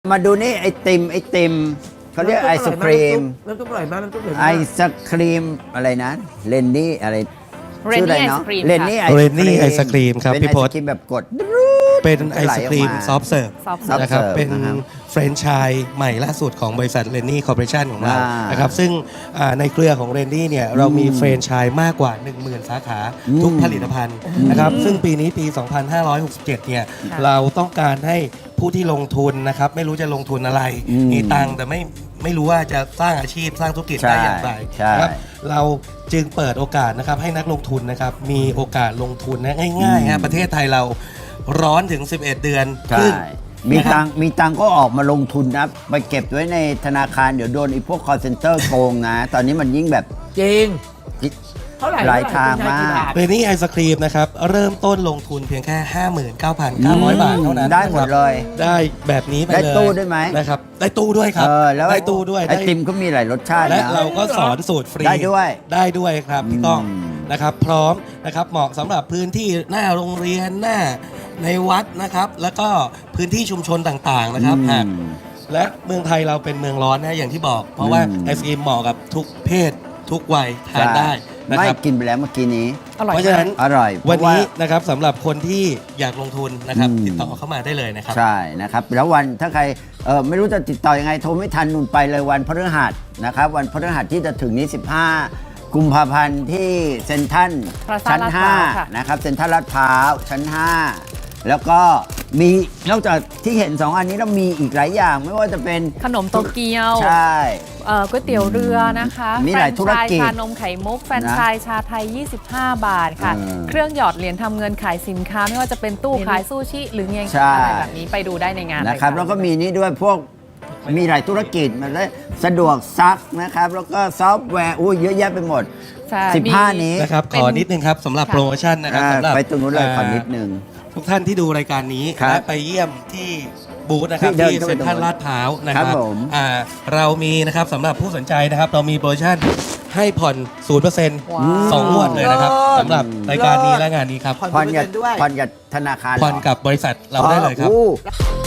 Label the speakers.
Speaker 1: มาดูนี่ไอติมเขาเรียกไอศครีม
Speaker 2: น้ำซุปอร่อยมากน้ำซุปอร่อย
Speaker 1: ไอ
Speaker 2: มาก
Speaker 1: ศครีมอะไรนะเลนนี่อะไร
Speaker 3: เรนนี่ไอศครีม
Speaker 1: เลนนี่
Speaker 4: Rennie ไอศกรีมครับ
Speaker 1: เป็น
Speaker 4: พี่
Speaker 1: ไอ
Speaker 4: พ
Speaker 1: ศ
Speaker 4: ศ
Speaker 1: ครีมแบบกด
Speaker 4: เป็นไอศกรีม
Speaker 1: ไหลออกมา
Speaker 4: ซอฟต์เสิร์ฟ
Speaker 3: ซอฟต์เสิร์ฟ
Speaker 4: นะครับ
Speaker 1: ซอฟต์เสิร์ฟ
Speaker 4: เป็น
Speaker 1: นะครับ
Speaker 4: แฟรนไชส์ใหม่ล่าสุดของบริษัทเรนนี่คอร์ปอเรชันของเรา
Speaker 1: อ่าน
Speaker 4: นะครับซึ่งในเครือของเรนนี่เนี่ยเรามีแฟรนไชส์มากกว่า 10,000 สาขาทุกผลิตภัณฑ์นะครับซึ่งปีนี้ปี 2567 เนี่ย
Speaker 3: ค่ะ
Speaker 4: เราต้องการให้ผู้ที่ลงทุนนะครับไม่รู้จะลงทุนอะไร มีตังค์แต่ไม่รู้ว่าจะสร้างอาชีพสร้างธุรกิจได้อย่างไร
Speaker 1: ใช่
Speaker 4: นะครับเราจึงเปิดโอกาสนะครับให้นักลงทุนนะครับมีโอกาสลงทุนนะง่ายๆฮะประเทศไทยเราร้อนถึง 11 เดือนค
Speaker 1: ใช่
Speaker 4: รึ่ง
Speaker 1: มีตังค์ก็ออกมาลงทุนนะไปเก็บไว้ในธนาคารเดี๋ยวโดนไอ้พวก call center โกงนะ ตอนนี้มันยิ่งแบบ
Speaker 2: จริงเท่าไหร่
Speaker 1: หลายทางมาก
Speaker 4: เรนนี่ไอศครีมนะครับเริ่มต้นลงทุนเพียงแค่ 59,900 บาทเท่านั้น
Speaker 1: ได้หมดเลย
Speaker 4: ได้แบบนี้ไปเลย
Speaker 1: ได้ตู้ด้วยไหม
Speaker 4: นะครับได้ตู้ด้วยครับ
Speaker 1: แล้ว
Speaker 4: ได้ตู้ด้วย
Speaker 1: ไอติมก็มีหลายรสชาติ
Speaker 4: และ
Speaker 1: นะ
Speaker 4: เราก็สอนสูตรฟรี
Speaker 1: ได้ด้วย
Speaker 4: ได้ด้วยครับพี่ก้อง
Speaker 1: อืม
Speaker 4: นะครับพร้อมนะครับเหมาะสำหรับพื้นที่หน้าโรงเรียนหน้าในวัดนะครับแล้วก็พื้นที่ชุมชนต่างๆนะครับหากและเมืองไทยเราเป็นเมืองร้อนนะอย่างที่บอก เพราะว่าไอศกรีมเหมาะกับทุกเพศทุกวัยทานได้นะ
Speaker 1: ไม่
Speaker 4: ครับ
Speaker 1: กินไปแล้วเมื่อกี้นี้
Speaker 3: อร่อย
Speaker 4: เพราะฉะนั้น
Speaker 1: อร่อย
Speaker 4: วันนี้
Speaker 1: เพราะ
Speaker 4: นะครับสำหรับคนที่อยากลงทุนนะครับ
Speaker 1: อืม
Speaker 4: ติดต่อเข้ามาได้เลยนะครับ
Speaker 1: ใช่นะครับแล้ววันถ้าใครไม่รู้จะติดต่อยังไงโทรไม่ทันนุ่นไปเลยวันพฤหัสนะครับวันพฤหัสที่จะถึงนี้ 15 กุมภาพันธ์ที่เซ็นทรัล
Speaker 3: Plaza
Speaker 1: ชั้น
Speaker 3: ลาดพร้าวค่ะ
Speaker 1: 5นะครับเซ็นทรัลลาดพร้าวชั้น 5 แล้วก็มีนอกจากที่เห็น 2 อันนี้เรามีอีกหลายอย่างไม่ว่าจะเป็น
Speaker 3: ขนมโตเกียว
Speaker 1: ใช่
Speaker 3: ก๋วยเตี๋ยวเรือนะคะ
Speaker 1: มีหลายธุรกิจ
Speaker 3: แฟรนไชส์ชานมไข่มุกแฟรนไชส์ชาไทย 25 บาทค่ะ เครื่องหยอดเหรียญทำเงินขายสินค้า ไม่ว่าจะเป็นตู้ขายซูชิ หรือเงียง
Speaker 1: ใช่
Speaker 3: อะไรแบบนี้ไปดูได้ในงาน
Speaker 1: นะครับ
Speaker 3: เลย
Speaker 1: แล้วก็มีนี่ด้วยพวกมีหลายธุรกิจมันได้สะดวกซักนะครับ แล้วก็ซอฟต์แวร์เยอะแยะไปหมด
Speaker 3: ใช่
Speaker 1: 15 นี้
Speaker 4: นะครับ
Speaker 3: เป็น
Speaker 4: ขอนิดนึงครับสำหรับ
Speaker 3: ค่ะ
Speaker 4: โปรโมชั่นนะครับ
Speaker 1: อ่า
Speaker 4: สำหรับ
Speaker 1: ไปตรงนู้นเลยขอนิดนึง
Speaker 4: ทุกท่านที่ดูรายการนี้
Speaker 1: ครับ
Speaker 4: และไปเยี่ยมที่บูธนะครับ
Speaker 1: ที่เดิน
Speaker 4: ที่
Speaker 1: เข้าไป
Speaker 4: เซ็นทรัลลาดพร้าวนะค
Speaker 1: ครั
Speaker 4: รับบ
Speaker 1: ผม
Speaker 4: เรามีนะครับสำหรับผู้สนใจนะครับ เรามีโปรโมชั่นให้ผ่อน 0%
Speaker 3: ว้าว
Speaker 4: สองงวดเลยนะครับสำหรับรายการนี้และงานนี้ครับ
Speaker 2: ผ่อน
Speaker 1: ผ่อนกับ
Speaker 2: 0%ด้วย
Speaker 1: ผ่อนกับธนาคารเหรอ
Speaker 4: ผ่อนกับบริษัทเราได้เลยครับ
Speaker 1: อ๋อ